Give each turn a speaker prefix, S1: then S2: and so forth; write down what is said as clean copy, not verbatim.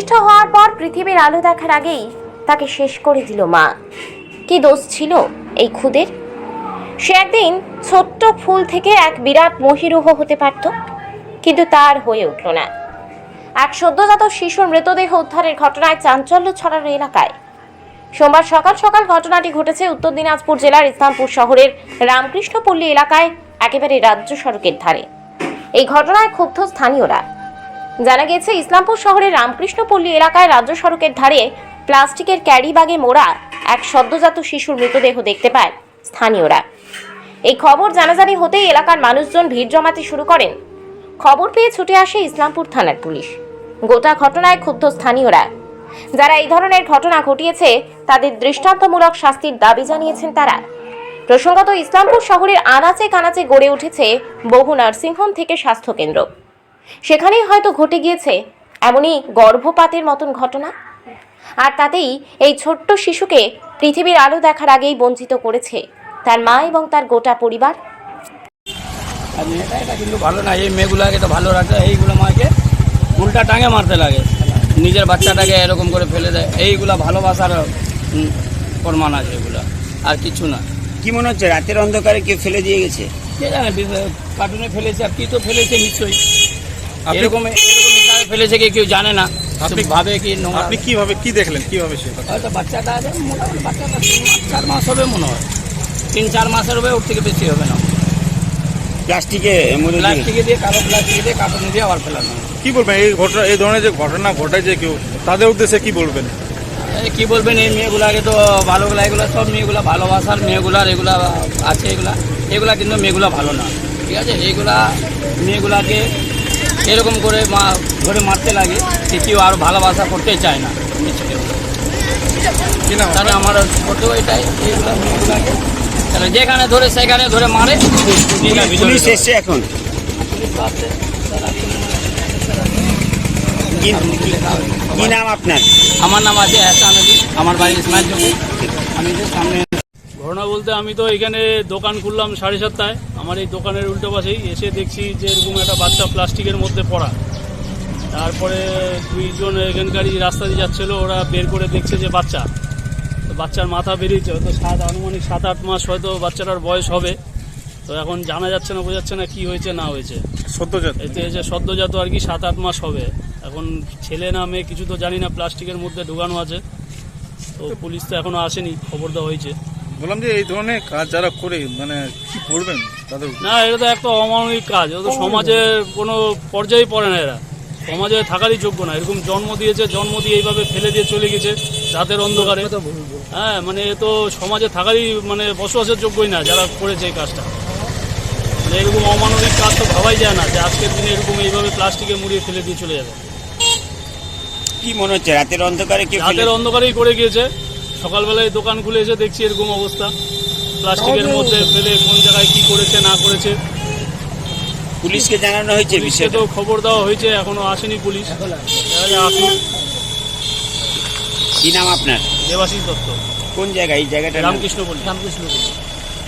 S1: ভূমিষ্ঠ হওয়ার পর পৃথিবীর আলো দেখার আগেই তাকে শেষ করে দিল মা। কি দোষ ছিল এই খুদের? সে একদিন ছোট্ট ফুল থেকে এক বিরাট মহিরুহ হতে পারত, কিন্তু তার হয়ে উঠল না। এক সদ্যজাত শিশুর মৃতদেহ উদ্ধারের ঘটনায় চাঞ্চল্য ছড়ানো এলাকায়। সোমবার সকাল সকাল ঘটনাটি ঘটেছে উত্তর দিনাজপুর জেলার ইসলামপুর শহরের রামকৃষ্ণপল্লী এলাকায়, একেবারে রাজ্য সড়কের ধারে। এই ঘটনায় ক্ষুব্ধ স্থানীয়রা। জানা গেছে, ইসলামপুর শহরের রামকৃষ্ণপল্লী এলাকায় রাজ্য সড়কের ধারে প্লাস্টিকের ক্যারি ব্যাগে মোড়া এক সদ্যজাত শিশুর মৃতদেহ দেখতে পায় স্থানীয়রা। এই খবর জানাজানি হতেই এলাকার মানুষজন ভিড় জমাতে শুরু করেন। খবর পেয়ে ছুটে আসে ইসলামপুর থানার পুলিশ। গোটা ঘটনায় ক্ষুব্ধ স্থানীয়রা। যারা এই ধরনের ঘটনা ঘটিয়েছে তাদের দৃষ্টান্তমূলক শাস্তির দাবি জানিয়েছেন তারা। প্রসঙ্গত, ইসলামপুর শহরের আনাচে কানাচে গড়ে উঠেছে বহু নার্সিংহোম থেকে স্বাস্থ্যকেন্দ্র। সেখানেই হয়তো ঘটে গিয়েছে এমনই গর্ভপাতের মতন ঘটনা। আর তাতেই এই ছোট্ট শিশুকে পৃথিবীর আলো দেখার আগেই বঞ্চিত করেছে তার মা এবং তার গোটা পরিবার।
S2: এটা কিন্তু ভালো না, এই মেয়েগুলাকে তো ভালো রাখতে, এইগুলো মাকে উল্টা টাঙে মারতে লাগে, নিজের বাচ্চাটাকে এরকম করে ফেলে দেয়। এইগুলা ভালোবাসার প্রমাণ আছে, এগুলা আর কিছু না।
S3: কি মনে হচ্ছে রাতের অন্ধকারে কেউ ফেলে দিয়ে গেছে?
S2: কে জানে, কার্টুনে ফেলেছে, আর কি তো ফেলেছে নিশ্চয়ই। এরকম ফেলেছে কি কেউ জানে না, আপনি ভাবে কি।
S4: আপনি কিভাবে কি দেখলেন, কিভাবে সে
S2: হয়তো বাচ্চাটা আছে, মোটামুটি বাচ্চাটা 3-4 মাস হবে মনে হয়, 3-4 মাসের হবে, ওর থেকে বেশি হবে না।
S3: প্লাস্টিকে
S2: দিয়ে কালো প্লাস্টিকে দিয়ে কার্টুনে দিয়ে আবার ফেলানো।
S4: কি বলবেন এই ঘটনা, এই ধরনের যে ঘটনা ঘটায় কেউ, তাদের উদ্দেশ্যে কি বলবেন?
S2: কি বলবেন, এই মেয়েগুলাকে তো ভালোগুলা, এগুলো সব মেয়েগুলা ভালোবাসার মেয়েগুলার এগুলা আছে, এগুলা কিন্তু মেয়েগুলা ভালো না, ঠিক আছে। এইগুলা মেয়েগুলাকে এরকম করে ধরে মারতে লাগে, যে কেউ আর ভালোবাসা করতে চায় না। তাহলে আমার ফটো এটাই, এইগুলা মেয়েগুলাকে তাহলে যেখানে ধরে সেখানে ধরে মারে।
S3: পুলিশ এসছে এখন? কি নাম আপনার?
S2: আমার নাম আছে এহসান আলী, আমার বাড়ি ইসমাইল জমি। আমি যে সামনে
S5: ঘটনা বলতে, আমি তো এখানে দোকান খুললাম 7:30টায়। আমার এই দোকানের উল্টো পাশেই এসে দেখছি যে এরকম একটা বাচ্চা প্লাস্টিকের মধ্যে পড়া। তারপরে 2জন এখানকারই রাস্তা দিয়ে যাচ্ছিলো, ওরা বের করে দেখছে যে বাচ্চার মাথা বেরিয়েছে, হয়তো আনুমানিক 7-8 মাস হয়তো বাচ্চাটার বয়স হবে। তো এখন জানা যাচ্ছে না, বোঝাচ্ছে না কি হয়েছে না হয়েছে।
S4: সদ্যজাত,
S5: এতে যে সদ্যজাত আর কি 7-8 মাস হবে। এখন ছেলে না মেয়ে কিছু তো জানি না, প্লাস্টিকের মধ্যে ঢোকানো আছে। তো পুলিশ তো এখনো আসেনি, খবর দেওয়া হয়েছে।
S4: বললাম যে এই ধরনের কাজ যারা করে, মানে কি করবেন তাদের?
S5: না, এটা তো একটা অমানবিক কাজ, এটা তো সমাজের কোনো পর্যায়ে পড়ে না, এরা সমাজে থাকারই যোগ্য না। এরকম জন্ম দিয়েছে, জন্ম দিয়ে এইভাবে ফেলে দিয়ে চলে গেছে রাতের অন্ধকারে। হ্যাঁ, মানে এ তো সমাজে থাকারই মানে বসবাসের যোগ্যই না যারা করেছে এই কাজটা। মানে এরকম অমানবিক কাজ তো ভাবাই যায় না, যে আজকের দিনে এরকম এইভাবে প্লাস্টিকে মুড়িয়ে ফেলে দিয়ে চলে যাবে।
S3: কি মনে হচ্ছে রাতের অন্ধকারে কেউ?
S5: রাতের অন্ধকারেই করে গিয়েছে। সকালবেলায় দোকান খুলে এসে দেখছি এরকম অবস্থা, প্লাস্টিকের মধ্যে ফেলে কোন জায়গায় কি করেছে না করেছে।
S3: পুলিশকে জানানো হয়েছে বিষয়টা?
S5: তো খবর দেওয়া হয়েছে, এখনো আসেনি পুলিশ। আসুন।
S3: কি নাম আপনার?
S5: দেবাশিস দত্ত।
S3: কোন জায়গায় এই জায়গাটা?
S5: রামকৃষ্ণপল্লী।